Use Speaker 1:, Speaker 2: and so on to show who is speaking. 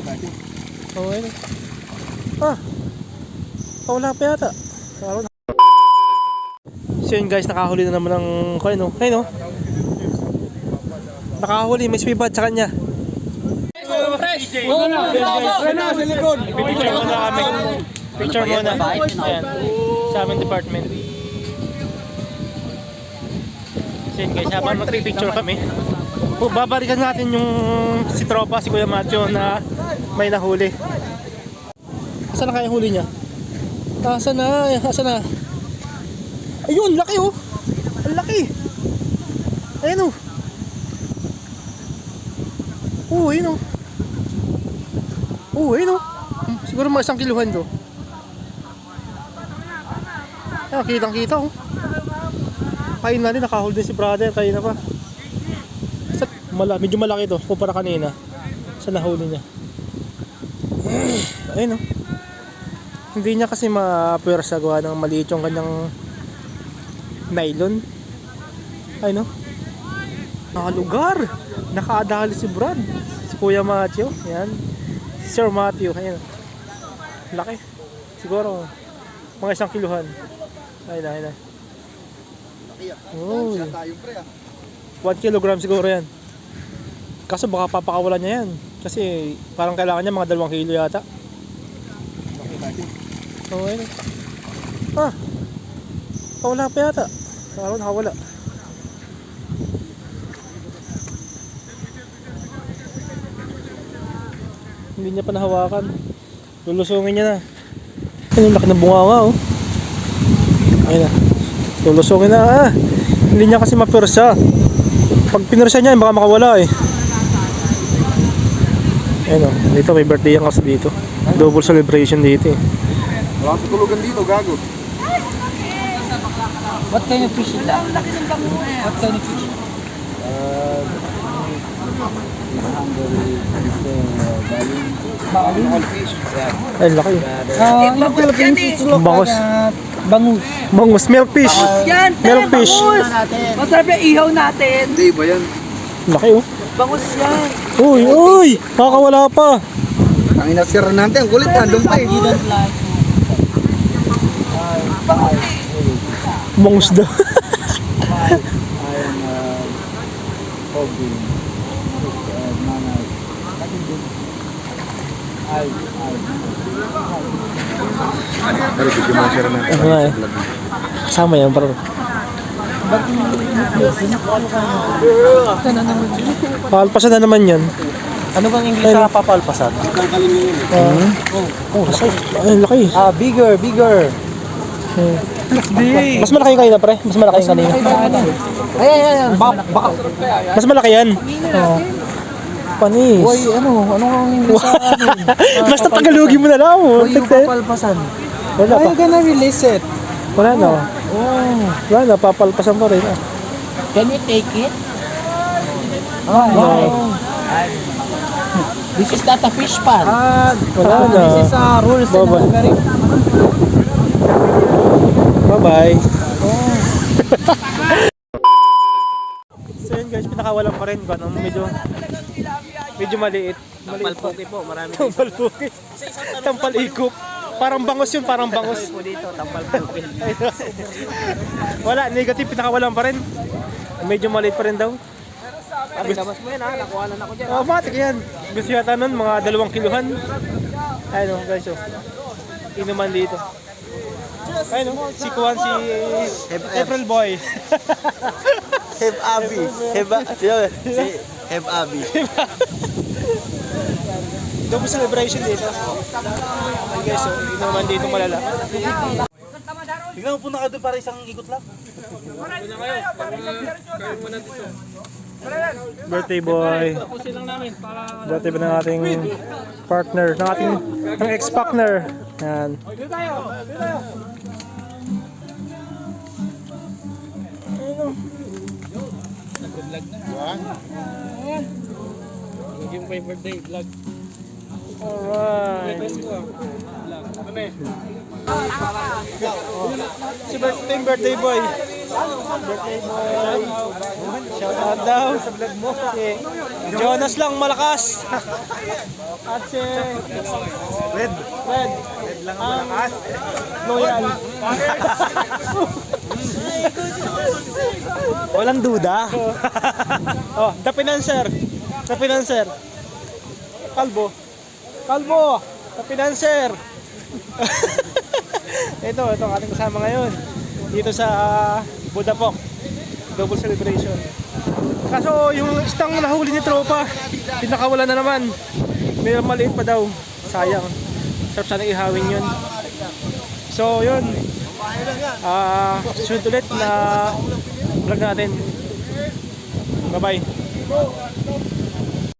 Speaker 1: Oh, ayun. Ah! Wala pa yata. So yun guys, nakahuli na naman ng coin, no? Ayun, no? Nakahuli, may spibad sa kanya. Picture muna kami. Picture muna. Ayan. Sa aming department. So yun guys, habang magpipicture kami, babalikan natin yung si tropa, si Kuya Macho na may nahuli. Asan na kaya huli niya? Asan na? Asan na? Ayun, laki oh! Ang laki! Ayan oh! Oo, ayun oh! Oo, ayun oh! Siguro mga 1 kiluhan to. Ayan, kitang kita oh! Kain na rin, nakahold din si brother, kain na pa. Medyo malaki to, kumpara kanina sa nahuli niya. Ayun oh! Hindi niya kasi mapwersa gawa ng maliit yung kanyang nylon. Ay no? Nakalugar! Nakaadali si Brad. Si Kuya Matthew. Yan. Si Sir Matthew. Ayan. Laki. Siguro mga 1 kiluhan. Ayun na, ayun na. Oh. 1 kilogram siguro yan. Kaso baka papakawalan niya yan. Kasi parang kailangan niya mga 2 kilo yata. Oh, ayun. Ah! Wala pa yata. Parang nakawala. Hindi niya pa nahawakan. Lulusungin niya na. Ayun, laki ng bunganga oh. Ayun na. Lulusungin na ah. Hindi niya kasi mapwersa. Pag pinwersa niya, baka makawala eh. Ayun oh. Dito may birthday yan kasi dito. Double celebration dito eh.
Speaker 2: Wala sa tulugan dito, gago.
Speaker 3: What kind of fish is that? What kind of fish?
Speaker 1: Ay, laki.
Speaker 3: In Philippines, it's look
Speaker 1: Bangus.
Speaker 3: bangus.
Speaker 1: Bangus, milkfish.
Speaker 4: Yan,
Speaker 1: Milkfish.
Speaker 4: masarap yung ihaw natin.
Speaker 2: Hindi ba yan?
Speaker 1: Laki oh.
Speaker 4: Bangus yan.
Speaker 1: Uy, uy! Makakawala pa.
Speaker 2: Ang inasira natin, ang kulit, nandun pa eh.
Speaker 1: Bangus daw.
Speaker 2: Pero bigyan mo nasira natin.
Speaker 1: Ano nga eh. Kasama yan, bro. Palpasan na naman yan.
Speaker 3: Ano bang English sa papalpasan?
Speaker 1: Oh, ay, laki.
Speaker 3: Bigger, bigger.
Speaker 4: That's big.
Speaker 1: Mas malaki yung kanina, pre. Mas malaki yung kanina.
Speaker 3: Ayan. Baka.
Speaker 1: Mas malaki yan. Oh. Panis.
Speaker 3: Boy, ano ang English sa amin?
Speaker 1: Basta Tagalogin mo na lang.
Speaker 3: Boy, yung papalpasan.
Speaker 1: Wala
Speaker 3: How
Speaker 1: pa.
Speaker 3: you gonna release it?
Speaker 1: Wala na. Wala na, papalpasan pa rin.
Speaker 4: Can we take it?
Speaker 3: Wow.
Speaker 4: This is not a fish pan.
Speaker 1: Wala na.
Speaker 3: This is rules in
Speaker 1: Bye-bye.
Speaker 3: Hungary.
Speaker 1: Bye-bye. So yun guys, pinakawalan pa rin ba? Medyo maliit.
Speaker 3: Tampalpuki po, marami.
Speaker 1: Tampalpuki. Tampalikop. Parang bangus yun, parang bangus.
Speaker 3: po dito, tampalpuki.
Speaker 1: Wala, negative, pinakawalan pa rin. Medyo maliit pa rin daw.
Speaker 3: Pare, labas mo yan ha, nakuha na ako dyan.
Speaker 1: Matik yan. Gusto yata nun, mga 2 kiluhan. Ayun o guys, oh. Inuman dito. Ayun o, si Kuan, si April Boy.
Speaker 3: Have Abi. Have Abi.
Speaker 1: Double celebration dito. Ayun guys, oh. Inuman dito malala.
Speaker 3: Bigla mo punta ka doon para isang ikot lang.
Speaker 1: Birthday boy. Birthday ba ng ating partner, ng ex-partner. Yan.
Speaker 3: Yung pa yung birthday vlog.
Speaker 1: Alright. Si birthday boy. Birthday boy. Shout out daw sa vlog mo. Si Jonas lang malakas. At si
Speaker 2: Red.
Speaker 1: Red.
Speaker 2: Red lang ang malakas.
Speaker 1: Loyal.
Speaker 3: Walang duda.
Speaker 1: Oh, the financer. The financer. Kalbo. Kalbo. The financer. ito ang ating kasama ngayon. Dito sa Budapok. Double celebration. Kaso yung istang nahuli ni tropa, pinakawala na naman. May maliit pa daw. Sayang. Sarap sana ihawin yun. So yun. Shoot ulit na vlog natin. Bye bye.